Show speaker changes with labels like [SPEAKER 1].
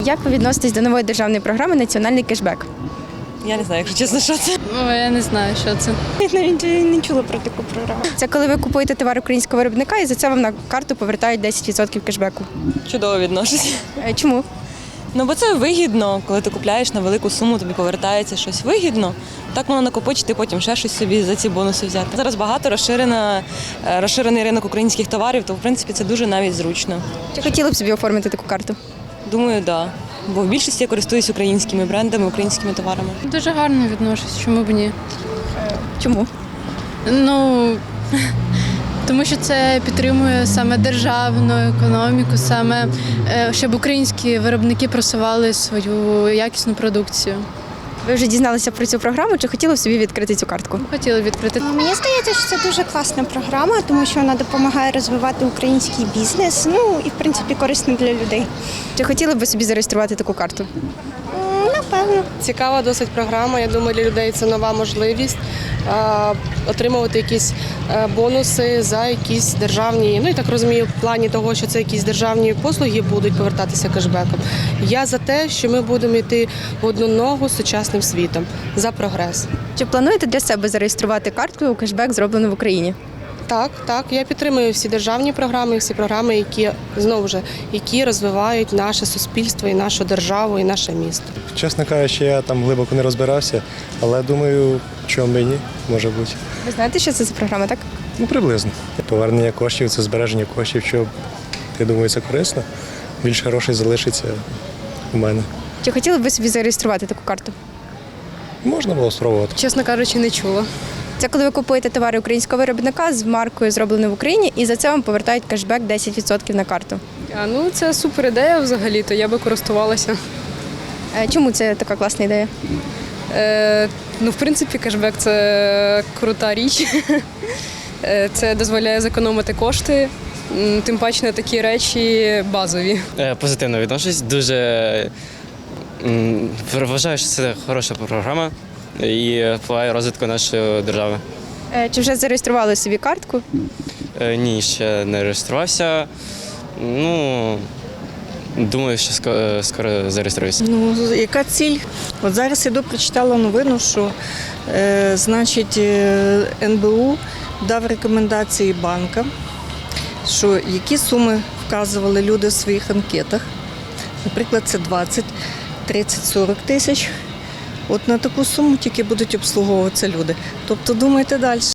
[SPEAKER 1] Як ви відноситесь до нової державної програми «Національний кешбек»?
[SPEAKER 2] Я не знаю, якщо чесно, що це.
[SPEAKER 3] Ну, я не знаю, що це.
[SPEAKER 4] Я навіть не чула про таку програму.
[SPEAKER 1] Це коли ви купуєте товар українського виробника і за це вам на карту повертають 10% кешбеку.
[SPEAKER 2] Чудово відношусь.
[SPEAKER 1] Чому?
[SPEAKER 2] Ну, бо це вигідно, коли ти купляєш на велику суму, тобі повертається щось вигідно. Так можна накопичити, потім ще щось собі за ці бонуси взяти. Зараз багато розширений ринок українських товарів, то в принципі це дуже навіть зручно.
[SPEAKER 1] Чи хотіли б собі оформити таку карту?
[SPEAKER 2] Думаю, так. Да. Бо в більшості я користуюсь українськими брендами, українськими товарами.
[SPEAKER 3] Дуже гарно відношусь, чому б ні?
[SPEAKER 1] Чому?
[SPEAKER 3] Ну, тому що це підтримує саме державну економіку, саме щоб українські виробники просували свою якісну продукцію.
[SPEAKER 1] Ви вже дізналися про цю програму, чи хотіли б собі відкрити цю картку?
[SPEAKER 3] Хотіла відкрити.
[SPEAKER 4] Мені здається, що це дуже класна програма, тому що вона допомагає розвивати український бізнес, ну і в принципі корисна для людей.
[SPEAKER 1] Чи хотіли б ви собі зареєструвати таку карту?
[SPEAKER 4] Напевно.
[SPEAKER 5] Цікава досить програма. Я думаю, для людей це нова можливість отримувати якісь бонуси за якісь державні, ну і так розумію, в плані того, що це якісь державні послуги будуть повертатися кешбеком. Я за те, що ми будемо йти в одну ногу з сучасним світом, за прогрес.
[SPEAKER 1] Чи плануєте для себе зареєструвати картку у кешбек, зроблену в Україні?
[SPEAKER 5] Так, я підтримую всі державні програми, всі програми, які знову ж які розвивають наше суспільство і нашу державу, і наше місто.
[SPEAKER 6] Чесно кажучи, я там глибоко не розбирався, але думаю, чому б і ні, може бути.
[SPEAKER 1] Ви знаєте, що це за програма, так?
[SPEAKER 6] Ну, приблизно. Повернення коштів – це збереження коштів, що, я думаю, це корисно. Більше грошей залишиться у мене.
[SPEAKER 1] Чи хотіли б ви собі зареєструвати таку карту?
[SPEAKER 6] Можна було спробувати.
[SPEAKER 3] Чесно кажучи, не чула.
[SPEAKER 1] Це коли ви купуєте товари українського виробника з маркою «Зроблено в Україні» і за це вам повертають кешбек 10% на карту.
[SPEAKER 7] Ну, це супер ідея взагалі-то, я би користувалася.
[SPEAKER 1] Чому це така класна ідея?
[SPEAKER 7] Ну, в принципі, кешбек – це крута річ. Це дозволяє зекономити кошти, тим паче на такі речі базові.
[SPEAKER 8] Позитивно відношусь, дуже вважаю, що це хороша програма і впливає розвитку нашої держави.
[SPEAKER 1] Чи вже зареєстрували собі картку?
[SPEAKER 8] Ні, ще не реєструвався. Ну, думаю, що скоро зареєструюся.
[SPEAKER 9] Ну, яка ціль? От зараз іду, прочитала новину, що значить НБУ дав рекомендації банкам, що які суми вказували люди в своїх анкетах. Наприклад, це 20, 30, 40 тисяч. От на таку суму тільки будуть обслуговуватися люди. Тобто думайте далі.